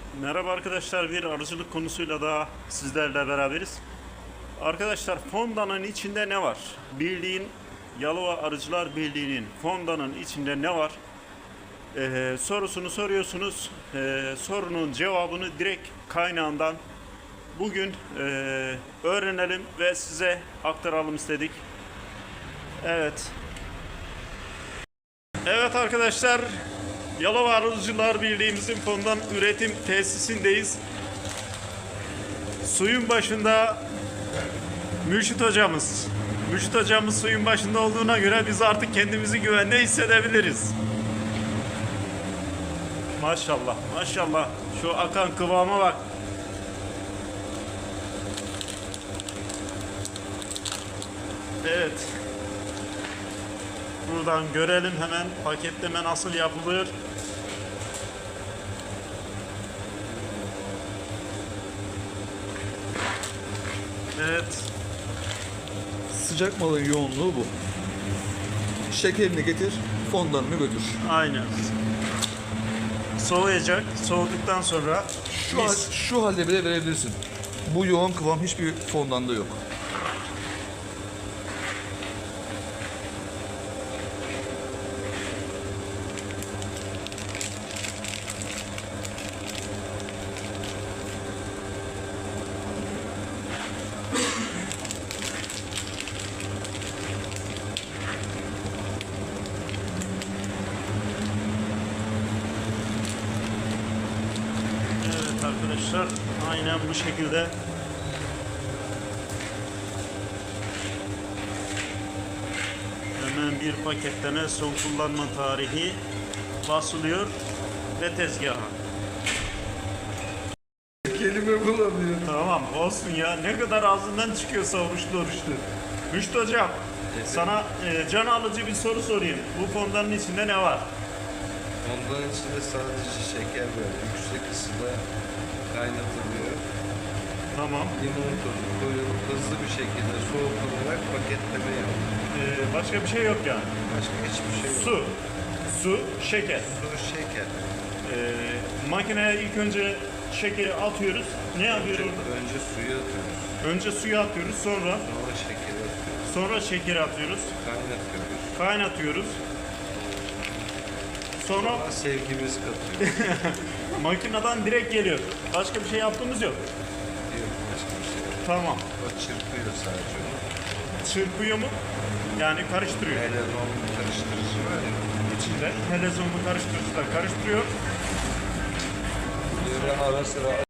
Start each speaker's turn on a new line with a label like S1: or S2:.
S1: Merhaba arkadaşlar, bir arıcılık konusuyla daha sizlerle beraberiz. Arkadaşlar, fondanın içinde ne var? Bildiğin Yalova Arıcılar Birliği'nin fondanın içinde ne var? Sorusunu soruyorsunuz. Sorunun cevabını direkt kaynağından bugün öğrenelim ve size aktaralım istedik. Evet. Evet arkadaşlar, Yalova Arıcılar Birliği'mizin fondan üretim tesisindeyiz. Suyun başında Mürşit hocamız. Mürşit hocamız suyun başında olduğuna göre biz artık kendimizi güvende hissedebiliriz. Maşallah, maşallah. Şu akan kıvama bak. Evet. Buradan görelim hemen paketleme nasıl yapılır. Evet.
S2: Sıcak malın yoğunluğu bu. Şekerini getir, fondanını götür.
S1: Aynen. Soğuyacak. Soğuduktan sonra
S2: Şu halde bile verebilirsin. Bu yoğun kıvam hiçbir fondanda yok.
S1: evet arkadaşlar, aynen bu şekilde hemen bir paketleme son kullanma tarihi basılıyor ve tezgaha.
S2: Kelime bulamıyor.
S1: Tamam olsun ya, ne kadar ağzından çıkıyorsa oruçlu oruçlu. Müşt hocam, sana can alıcı bir soru sorayım. Bu fondanın içinde ne var?
S3: Ondan içinde sadece şeker var. Yüksek ısıda kaynatılıyor.
S1: Tamam.
S3: Limon tozu koyulup hızlı bir şekilde soğutularak paketleme yapılıyor.
S1: Başka bir şey yok yani.
S3: Başka hiçbir şey yok.
S1: Su, şeker.
S3: Su, şeker.
S1: Makineye ilk önce şekeri atıyoruz. Ne yapıyoruz orada?
S3: Önce suyu atıyoruz.
S1: Önce suyu atıyoruz, sonra
S3: Sonra şekeri atıyoruz.
S1: şekeri atıyoruz.
S3: Kaynatıyoruz.
S1: Kaynatıyoruz. Sonra
S3: Sonra sevgimiz katıyoruz.
S1: makineden direkt geliyor. Başka bir şey yaptığımız yok.
S3: Yok başka bir şey yok.
S1: Tamam.
S3: O çırpıyor sadece onu.
S1: Çırpıyor mu? Yani karıştırıyor.
S3: Helezon karıştırıcı var ya.
S1: İçinde helezonlu karıştırıcılar karıştırıyor.
S3: Böyle ara sıra